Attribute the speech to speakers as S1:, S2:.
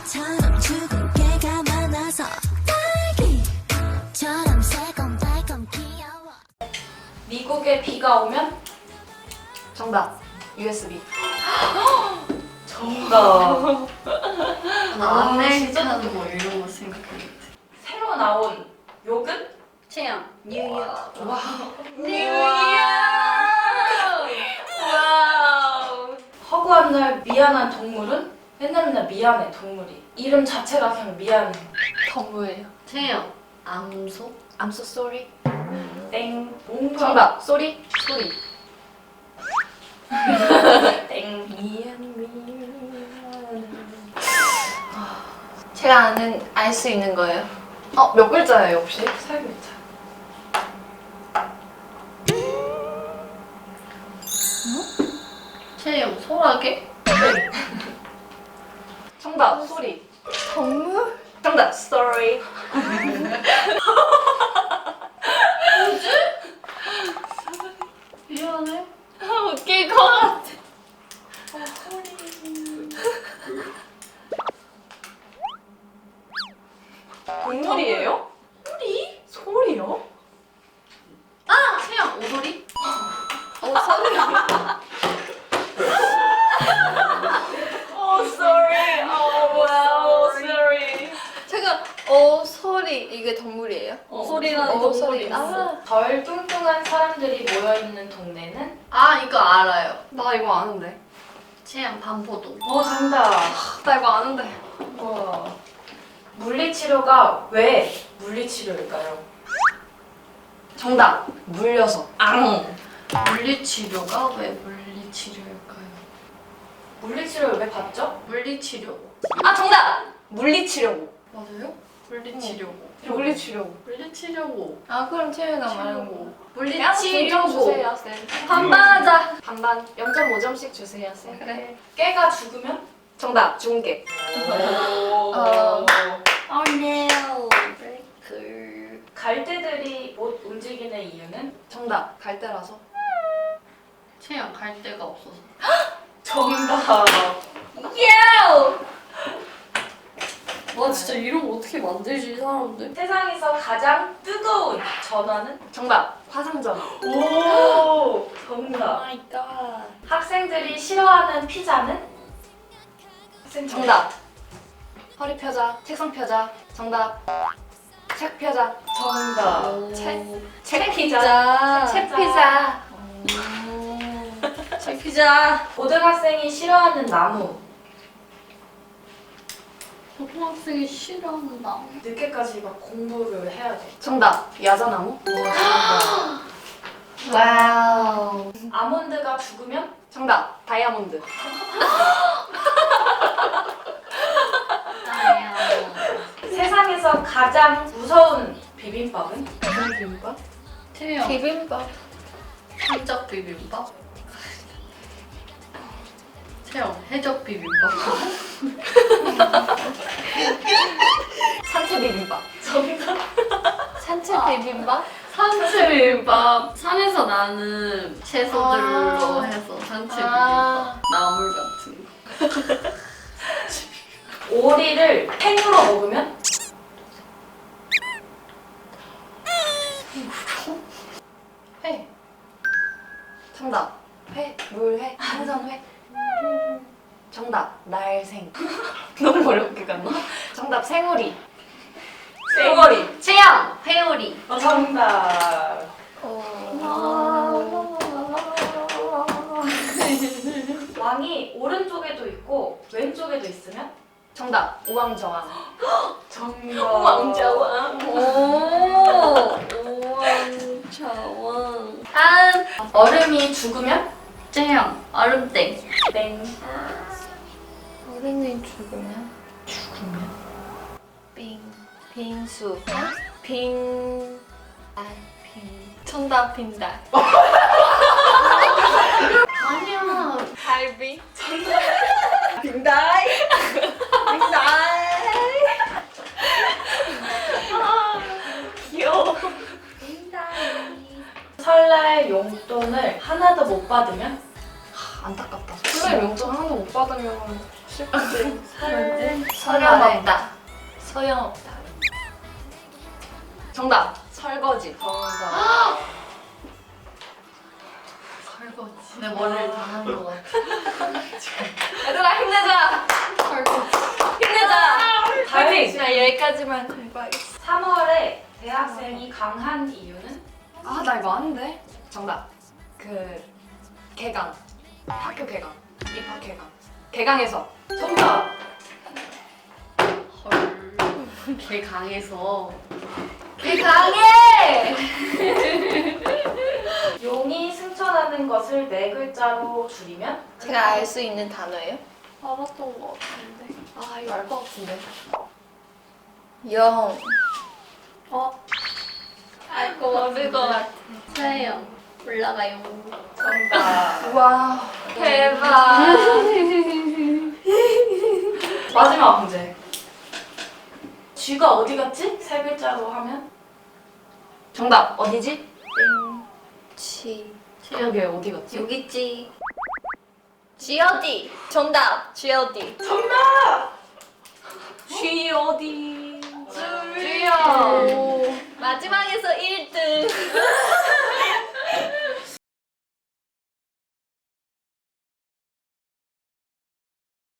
S1: 처럼 죽은 개가 많아서 딸기처럼 새콤달콤 귀여워.
S2: 미국에 비가 오면?
S3: 정답. USB.
S2: 정답.
S3: 아메리카노 뭐 이런 거 생각했는데.
S2: 새로 나온 요금?
S3: 체험. 뉴욕.
S2: 와. 뉴욕! 와우. 허구한 날 미안한 동물은? 맨날 미안해 동물이. 이름 자체가 그냥 미안해.
S3: 동물이에요. 체험. 암소. I'm so sorry.
S2: 땡. 뭔가.
S3: 정답. 소리. 소리.
S2: 땡.
S3: 미안. 제가 아는 알 수 있는 거예요. 몇 글자예요 혹시?
S2: 살겠자.
S3: 체험. 소라게. 정답. 소리. 동물? 정답. Sorry. 미안해. 웃길 것 같아.
S2: 동물이에요? 소리? 소리요?
S3: 체험. 오소리?
S2: sorry. wow, sorry.
S3: 제가 소리 이게 동물이에요?
S2: 소리라는
S3: 동물이
S2: 동물이
S3: 있어.
S2: 있어. 덜 뚱뚱한 사람들이 모여있는 동네는?
S3: 이거 알아요. 나 이거 아는데. 체험. 반포도.
S2: 정답.
S3: 나 이거 아는데.
S2: 우와. 물리치료가 왜 물리치료일까요?
S3: 정답. 물려서.
S4: 물리치료가 왜 물리치료일까요?
S2: 물리치료를 왜 받죠?
S4: 물리치료
S3: 정답. 물리치료고.
S4: 맞아요? 물리치료고
S3: 물리치료고.
S4: 물리치료고
S3: 그럼 채연아 말한 거.
S2: 치료고.
S3: 물리치료고. 반반하자. 반반. 0.5점씩 주세요, 쌤.
S4: 그래.
S2: 깨가 죽으면?
S3: 정답. 중계.
S4: Oh no 브레이크
S2: 갈대들이 못 움직이는 이유는?
S3: 정답. 갈대라서.
S4: 체험 갈 데가 없어서
S2: 정답.
S4: 와 진짜 이런 거 어떻게 만들지 이 사람들?
S2: 세상에서 가장 뜨거운 전화는?
S3: 정답. 화상전화.
S2: 오, 정답.
S4: 마이 갓
S2: 학생들이 싫어하는 피자는?
S3: 정답. 허리 펴자. 책상 펴자. 정답. 책 펴자.
S2: 정답.
S3: 책
S2: 피자.
S3: 책 피자. 책 피자.
S2: 고등학생이 싫어하는 나무.
S4: 고등학생이 싫어하는 나무
S2: 늦게까지 막 공부를 해야 돼.
S3: 정답. 야자나무. 와우.
S2: 아몬드가 죽으면?
S3: 정답. 다이아몬드.
S2: 세상에서 가장 무서운 비빔밥은?
S3: 비빔밥?
S4: 체험
S3: 비빔밥.
S4: 해적 비빔밥 체험 해적 비빔밥
S3: 산채 비빔밥.
S2: 정답.
S3: 산채 비빔밥?
S4: 산채 비빔밥 산에서 나는 채소들로 해서 산채 비빔밥 나물 같은 거
S2: 오리를 팽으로 먹으면?
S3: 회. 정답. 회. 물회. 생선회. 정답. 날생. 너무 어렵게 갔나? 정답. 생오리.
S2: 쌩얼이.
S3: 체험. 회오리.
S2: 정답. 왕이 오른쪽에도 있고 왼쪽에도 있으면?
S3: 정답. 우왕좌왕.
S2: 정답.
S3: 우왕좌왕. 우왕좌왕. 다음.
S2: 얼음이 죽으면?
S4: 체험 얼음땡
S2: 땡.
S3: 어른이 죽으면? 빙수. 빙. 정답. 빙달.
S4: 아니야
S3: 갈비.
S2: 빙다이.
S3: 귀여워.
S2: 설날 용돈을 하나도 못 받으면?
S3: 안타깝다. 설날 용돈 하나도 못 받으면
S4: 쉽지.
S3: 소용없다. 소용없다.
S5: 정답. 설거지.
S2: 정답.
S3: 설거지. 내 머리를 다 한 것 같아.
S5: 얘들아 힘내자.
S4: 설거지.
S5: 힘내자. 파이팅.
S3: 나 여기까지만 공부하겠어.
S2: 3월에 대학생이 강한 이유는?
S5: 아, 나 이거 아는데. 정답. 그 개강. 학교 개강. 입학 개강. 개강에서.
S2: 정답.
S4: 헐. 개 강해서.
S3: 개 강해!
S2: 용이 승천하는 것을 네 글자로 줄이면?
S3: 제가 알 수 있는 단어예요?
S4: 알았던 것 같은데.
S5: 아, 이거 알 것 같은데.
S3: 영.
S4: 어?
S3: 알고 모를 것 같아.
S4: 세영. 올라가요.
S2: 정답.
S3: 와, 대박.
S2: 마지막 문제. 쥐가 어디 갔지? 세 글자로 하면?
S5: 정답. 어디지?
S3: 치.
S5: 여기 어디 갔지?
S3: 여기 있지. G.O.D. 정답. G.O.D.
S5: G 어디?
S3: 주요. 마지막에서 1등.